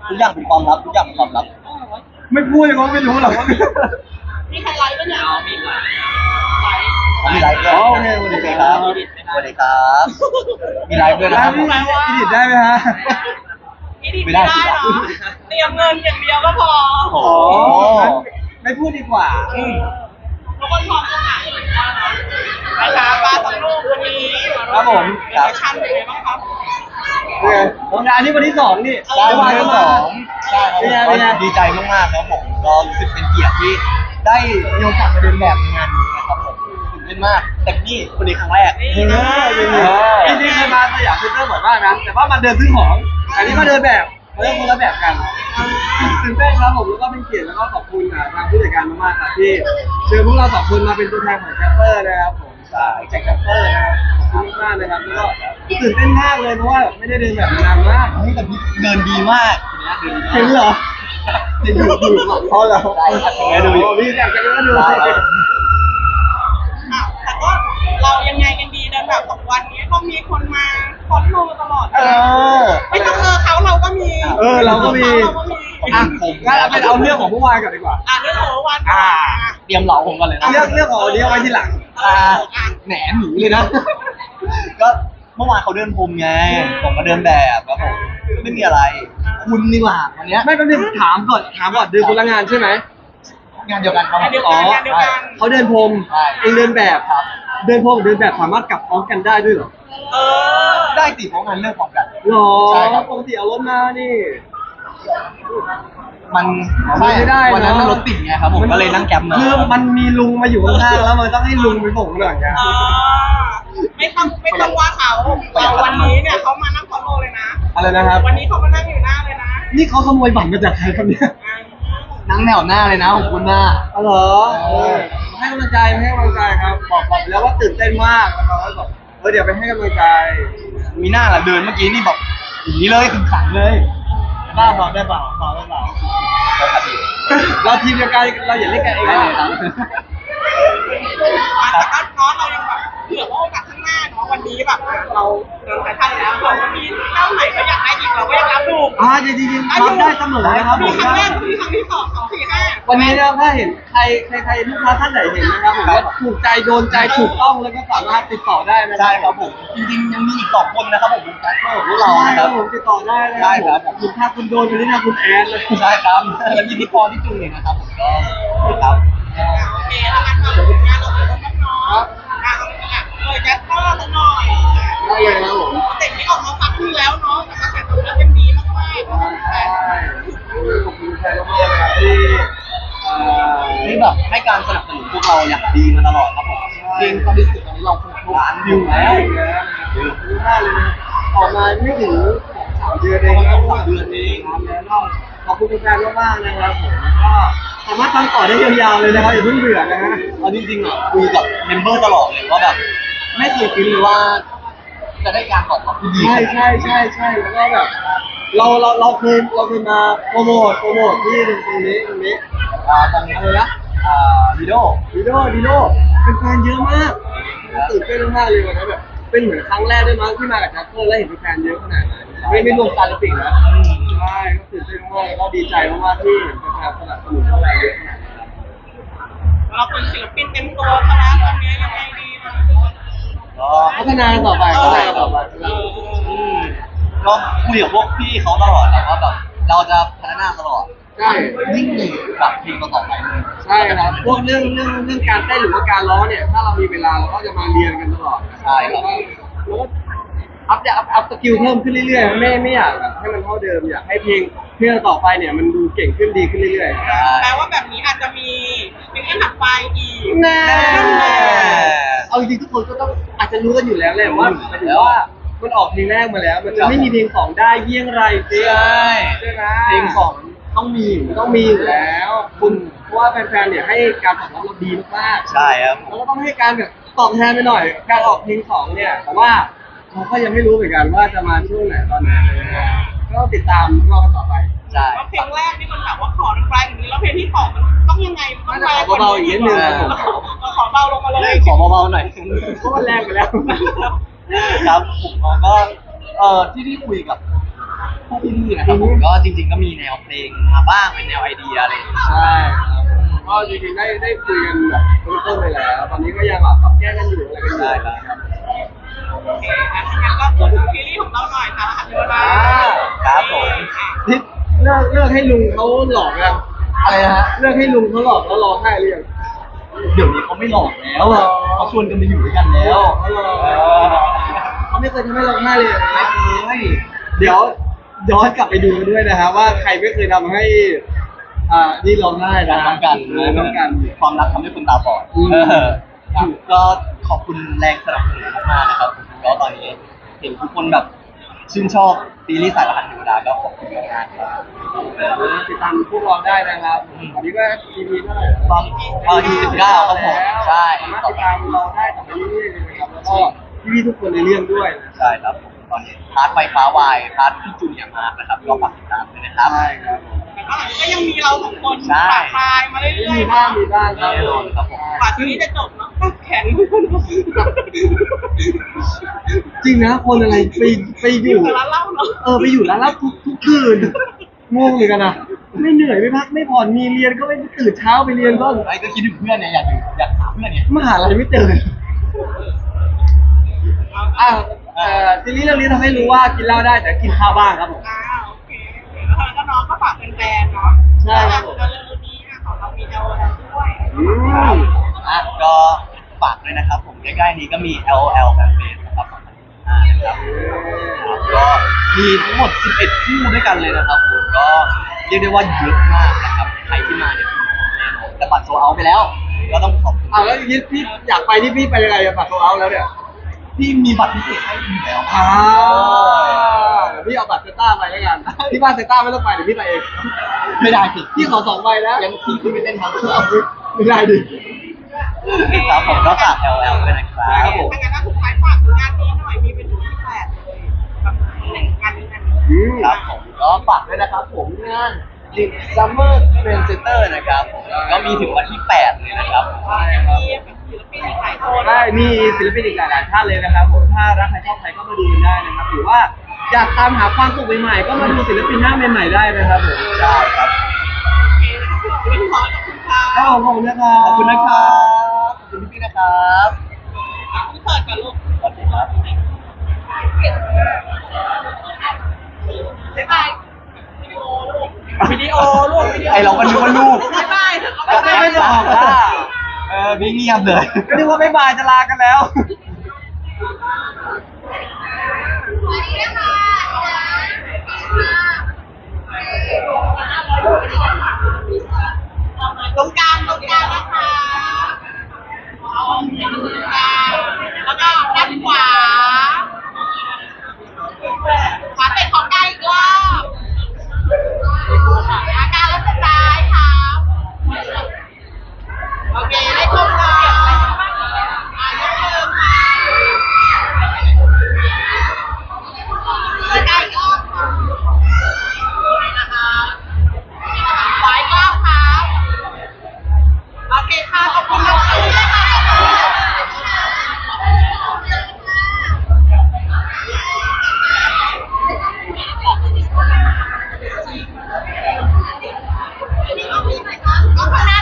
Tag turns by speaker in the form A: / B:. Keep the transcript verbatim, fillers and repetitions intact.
A: ทุกอย่างเป็นความลับทุกอย่างเป็นความลับ
B: ไม่พูดเลยก็ไม่รู้หรอกว่า
C: มีใครไลฟ์ปะเนี่ยมีไลฟ์ไลฟ์
A: มีไลฟ์ด้วยโอเคสวัสดีครับสวัสดีครับมีไลฟ์ด้วยนะครับผม
B: อิดิทได้ไหมฮะ
C: ไม่ได้ไม่ได้เหรอเตรียมเงินอย่างเดียวก็พอ
A: โอ้
B: ไม่พูดดีกว่า
C: ทุกคนพร้อมจะหานะคะปลาสองลูกวันนี้
A: ครับผม
C: ครับชั่นเป็นไงบ้างครับ
B: งานนี้วันที่สองนี่
A: ใช่วันที่สองใช่ครับผมก็ดีใจมากๆครับผมก็รู้สึกเป็นเกียรติที่ได้มีโอกาสมาเดินแบบในงานนี้นะครับผมตื่นเต้นมากแต่นี่วันนี้ครั้งแรก
B: จริงๆจริงๆเคยมาสยามเซ็นเตอร์บ่อยมากนะแต่ว่ามาเดินซื้อของอันนี้มาเดินแบบมาเดินคนละแบบกันตื่นเต้นครับผมแล้วก็เป็นเกียรติแล้วก็ขอบคุณทางผู้จัดการมากๆครับที่เชิญพวกเราสองคนมาเป็นตัวแทนของแคปเปอร์นะครับผมใช่แจ็คแคปเปอร์นะครับขอบคุณมากๆนะครับแล้วก็ตื่นเต้นมากเลยเพราะว่าไม่ได้เดินแบบนานมาก
A: นี่แต่เดินดีมาก
B: จริงเหรอจะอยู่อยู่เพราะเรา
A: ใช่ครับ
B: แกดูพี่แกแกก็ดู
C: แต่ก็เรายังไงกันดีเดินแบบสองวันนี้ก็มีคนมาคอนโทรตลอดเอ
A: อ
C: ไม่ต้องเออเขาเราก็มี
B: เออเราก็มีอ่ะผมงั้นเอาเป็นเอาเรื่องของเมื่อวานก่อนดีกว่า
C: อ่ะเรื่องของเมื่อวาน
A: อ่าเตรียมเหลาผมกันเลยนะ
B: เรื่องเรื่องของวันนี้เอาไว้ทีหลัง
A: อ่าแหนหนีเลยนะก็เมื่อวานเขาเดินพรมไงผมมาเดินแบบครับผมไม่มีอะไรคุณนี่หว่าวันนี้
B: ไม่ก็เนี่ยถามก่อนถามก่อนเดินคนละงานใช่ไหม
A: งานเดียวกันครับ
C: อ๋อ
B: เขาเดินพรมเองเดินแบบครับเดินพรมเดินแบบสามารถกลับพร้อมกันได้ด้วยเหรอ
C: เออ
A: ได้ติเพราะงานเรื่องพร้อมกัน
B: หรอใช่ครับปกติเอารถมานี่
A: มันไม่ได้วันนั้นมันรถติดไงครับผมก็เลยนั่งแกร็บมา
B: คือมันมีลุงมาอยู่ข้างๆแล้วมันต้องให้ลุงไปส่งหน่อยไง
C: ไม่ต้องไม่ต้องว่าเขาเราวันนี้เนี่ยเขามานั่งฟอลโล่เลยนะ
B: อะไรนะครับ
C: วันนี้เขามานั่งอยู่หน้าเลยนะ
B: นี่เขาขโมยบัตรมาจากใครครับเนี่ย
A: นั่งแนวหน้าเลยนะของคุณหน้า
B: อ๋อเหรอให้กำลังใจให้กำลังใจครับบอกบอกแล้วว่าตื่นเต้นมากแล้วเขาก็บอกเออเดี๋ยวไปให้กำลังใจ
A: มีหน้าล่ะเดินเมื่อกี้นี่บอกอย่างนี้เลยขึงขังเลยบ้าพอได้เปล่าพอได้เปล่า
B: เราทีมเดียวกันเราอย่าเล่นกันเองเลยครับ
C: แต่ก็น้องเรายังแบบเผื่อว่าโอกาสข้างหน้าเนาะวันนี้แบบเราเดินสายทันแล้วเรามีเจ้าไหนก็อยากได้อีกเราก็ยังรับดู
B: อ่าจริงจริงรับได้เสมอนะครับ
C: มีครั้งแรกมีครั้งที่สองสองสี่ห้า
B: วันนี้นะถ้าเห็นใครใครใครลูกค้าท่านไหนเห็นนะครับผมว่าถูกใจโดนใจถูกต้องแล้วก็สามารถติดต่อได้นะ
A: ใช่ครับผมจริงๆยังมีอีกสองคนนะครับผมแคสเปอร์ของเรา
B: ครับผมติดต่อได้นะ
A: ได้ครับ
B: คุณถ้าคุณโดนไปนี่นะคุณแอนเลย
A: ใช่ครับแล้วมีพี่ปอที่จูเนี่ยนะครับผมก็ครับ
C: โอเคแล้วกันมาผลงานเราเป็นน้องๆอ่ะเออแจ็คก็สักหน่อย
B: ได้เลยครับผม
C: เด็กที่ออกมาพักนึงแล้วเนาะแต่กระแสตอบรับเป็นดีมากๆใช่
B: ขอบคุณแฟนมากๆครับที่
A: ที่แบบให้การสนับสนุนพวกเราอย่างดีมาตลอดครับผมเพลงความรู้สึกตอนนี้เราครบล้านวิวแล้ว
B: เยอะมากเลยนะออกมาไม่ถึงสามเดือนเองครับสามเดือนเองแล้วขอบคุณแฟนมากๆนะครับผมก็สามารถฟังต่อได้ยาวๆเลยนะครับอย่าเพิ่งเบื่อนะฮะ
A: เอาจริงๆอ่ะคุยกับเมมเบอร์ตลอดเลยว่าแบบไม่เคยคิดเลยว่าจะได้การตอบรับที่ดี
B: ใช่ใช่ใช่ใช่แล้วก็แบบเราเราเราเคยเราเคยมาโปรโมทโปรโมทที่ตรงนี้ตรงนี้
A: อ่าตรง
B: อะไรนะ
A: อ่าดีโด
B: ดีโดดีโดเป็นแฟนเยอะมากตื่นเต้นมากเลยวันนั้นแบบเป็นเหมือนครั้งแรกด้วยมั้งที่มากับแจ็คเกอร์แล้วเห็นแฟนเยอะขนาดนั้นไม่ไม่รวมซาลปิกนะใช่ก็ตื่นเต้นมากแล้วก็ดีใจมากๆที่แฟนสนับสนุนพวกเราเยอะขนาดนั้น
C: เราเป็นศิลปินเต็มตัวคณะตอนนี้ยังไงดี
A: ก็
B: พัฒนาต่อไปพัฒนาต่อไป
A: ก็คุยกับพวกพี่เขาตลอดนะว่าแบบเราจะพัฒนาตลอด
B: ใช่
A: ยิ่งหนึ่งแบบเพลงต่อไปเลย
B: ใช่ครับพวกเรื่องเรื่องเรื่องการเต้นหรือว่าการร้องเนี่ยถ้าเรามีเวลาเราก็จะมาเรียนกันตลอด
A: ใช่ครับ
B: แล้วอัพอัพอัพสกิลเพิ่มขึ้นเรื่อยๆไม่ไม่อยากให้มันเท่าเดิมอยากให้เพลงเพลงต่อไปเนี่ยมันดูเก่งขึ้นดีขึ้นเรื่อย
C: ๆแปลว่าแบบนี้อาจจะมีเพลงถัดไปอีก
B: แน่เอาจริงๆทุกคนก็ต้องอาจจะรู้กันอยู่แล้วแหละว่าหมายถึงว่ามันออกเพลงแรกมาแล้วมันจะไม่มีเพลงสองได้เยี่ยงไร
A: ใช่
B: ใช่ไหม
A: เพลงสอง
B: ต้องมีต้องมีอยู่แล้วคุณเพราะว่าแฟนๆเนี่ยให้การตอบรับเราดีมาก
A: ๆใช่ครับ
B: แล้วก็ต้องให้การแบบตอบแทนไปหน่อยการออกเพลงสองเนี่ยแต่ว่าเราก็ยังไม่รู้เหมือนกันว่าจะมาช่วงไหนตอนไหนก็ต้องติดตามรอกันต่อไป
A: ใช่
C: เพลงแรกนี่มันแบบว่าขอแรงอย่างนี้แล้วเพลงที่สองมันต้องยังไงต้องแรง
B: เบาๆอีกนิดนึง
C: ขอเบาลงมาเลย
A: ขอเบาๆหน่อย
B: เพราะมันแรงไปแล้ว
A: ครับผมก็เอ่อที่ที่คุยกับพวกพี่ๆนะครับผมก็จริง ๆ ก็มีแนวเพลงมาบ้างเป็นแนวไอเดียอะไรอย่างเงี้ย
B: ใช่ครับก็จริงๆได้ได้คุยกันแบบต้นๆไปแล้ว ตอนนี้ก็ยังแบบปรับแก้กันอยู่อะไรกันอยู่
A: ได้ครับ
C: โอเคอ่ะงั้นก็พูดถึงซีรีส์ของเราหน่อยค่ะเดี๋ยวนะ
A: ครับผม
B: นี่เลิกเลิกให้ลุงเขาหลอกยัง
A: อะไรนะฮะ
B: เลิกให้ลุงเขาหลอกแล้วร้องไห้หรือยัง
A: เดี๋ยวนี้เขาไม่หลอกแล้วอะเขาชวนกันมาอยู่ด้วยกันแล้ว
B: เขาหลอก
A: เออ
B: เขาไม่เคยทำให้ร้องไห้เลย
A: ไม่เคย
B: เดี๋ยวย้อนกลับไปดูกันด้วยนะฮะว่าใครไม่เคยทำให้ อ่านี่ร้องไห้นะ
A: น้องกัน
B: น้องกัน
A: ความรักทำให้คนตาบอด
B: อืม
A: เออครับก็ขอบคุณแรงสนับสนุนมากๆนะครับผมก็ตอนนี้เห็นทุกคนแบบชื่นชอบซีรีส์สายรหัสเทวดาก็ขอบคุณมากๆครับ
B: ติดตามพวกเราได้นะครับตอนนี้ก็ อี พี เท่าไหร่แล้ว
A: ตอนเออยี่สิบเก้าครับผมใช่
B: สามารถติดตามเราได้ต่อไปเรื่อยๆเลยนะครับแล้วก็พี่ๆทุกคนในเรื่องด้วยนะ
A: ใช่ครับผมตอนนี้พาร์ทไฟฟ้าวายพาร์ทพี่จูนอย่างมากนะครับก็ฝากติดตามด้วยนะครับ
B: ใช่ครับ
C: แต่ก็ก็ยังมีเราสองคน
A: ใช่
C: ปากปลายมาเรื่อยๆ
B: มีบ้างมีบ้างครับ
A: แน่นอนครับผม
C: กว่าซีรีส์จะจบเนาะแข็ง
B: จริงนะคนอะไรไปไปอ
C: อยู่ ยู่กับร้านเหล้าเนาะ
B: เออไปอยู่ร้านเหล้าทุกทุกคืนงงเหมือนกันนะไม่เหนื่อยไม่พักไม่ผ่อนมีเรียนก็ไม่ตื่นเช้าไปเรียนก็
A: ไอ้ก็คิดถึงเพื่อนเนี่ยอยากอยู่อยากหาเพื่อนเนี่ย
B: มหาลัยไม่เจออ่าเอ่อซีรีส์เรื่องนี้ทำให้รู้ว่ากินเหล้าได้แต่กินข้าวบ้างครับผม
C: อ่าโอเคแล้วก็น้องก็ฝากแฟนๆเนาะ
B: ใช่ครับผม
C: แล้วเรื่องนี้อ่ะของเรามีเอลแล้วด้วย
B: อืม
A: อ่ะก็ฝากด้วยนะครับผมใกล้ๆนี้ก็มี แอล แอล แฟนเฟสนะครับสองพันยี่สิบห้านะครับก็มีทั้งหมดสิบเอ็ดคู่ด้วยกันเลยนะครับผมก็เรียกได้ว่าเยอะมากนะครับใครที่มาเนี่ยแน่นอนแต่บัตรโซเอาไปแล้ว ก็ต้องขอบคุณ
B: อ่าแล้วอย่างนี้พี่อยากไปที่พี่ไปยังไงอะบัตรโซเอาแล้วเนี่ย
A: ที่มีบัตรพิเศษให้อยู่แล้ว
B: อ่าเดี๋ยวพี่เอาบัตรเซต้าไปแล้วกันที่บ้านเซต้าไม่ต้องไปเดี๋ยวพี่ไปเอง
A: ไม่ได้สิ
B: พี่ขอสองใบนะ
A: ยังพี่ขึ้นไปเต้นทั้งเครื่อง
B: ไม่ได้ดิ
A: ครับผมก็ฝาก แอล แอล ด้วยนะครับ
B: ใช่ครับผม
C: ถ้างั้นก็สุดท้ายฝากงานนี้หน่อยมีเป็นถึงที่แปดเลยแบบหนึ่งงานนี้งานนี้
B: อืม
A: ครับผมก็ฝากด้วยนะครับผมงาน The Summer Trend Center นะครับผมก็มีถึงวันที่แปดเลยนะครับ
C: มีแบบศิลปินอีกหลายคน
B: ได้มีศิลปินอีกหลายๆท่านเลยนะครับผมถ้ารักใครชอบใครก็มาดูกันได้นะครับหรือว่าอยากตามหาความสุขใหม่ๆก็มาดูศิลปินหน้าใหม่ๆได้นะครับผม
A: ใช่ครับ
C: โอเคนะครับเรื่องขอขอบคุณค่ะ
B: ครับผมขอบคุณนะครับ
A: ขอบคุณนะครับ ขอบคุณพี่ๆนะครับ
C: อ่ะคุณเปิดก่อนลูก
A: สวัสดีครับ
C: บ๊ายบายวิดีโอลูกวิดีโอลูกวิดีโอ
A: ไอเราก็นึกว่าลูก
C: บ๊ายบายเถอะ
A: ก็
C: บ๊ายบาย
A: ไม่บอกว่าเออไม่เงียบเลย
B: ก็นึกว่าไม่บายจะลากันแล้ว
C: สวัสดีค่ะ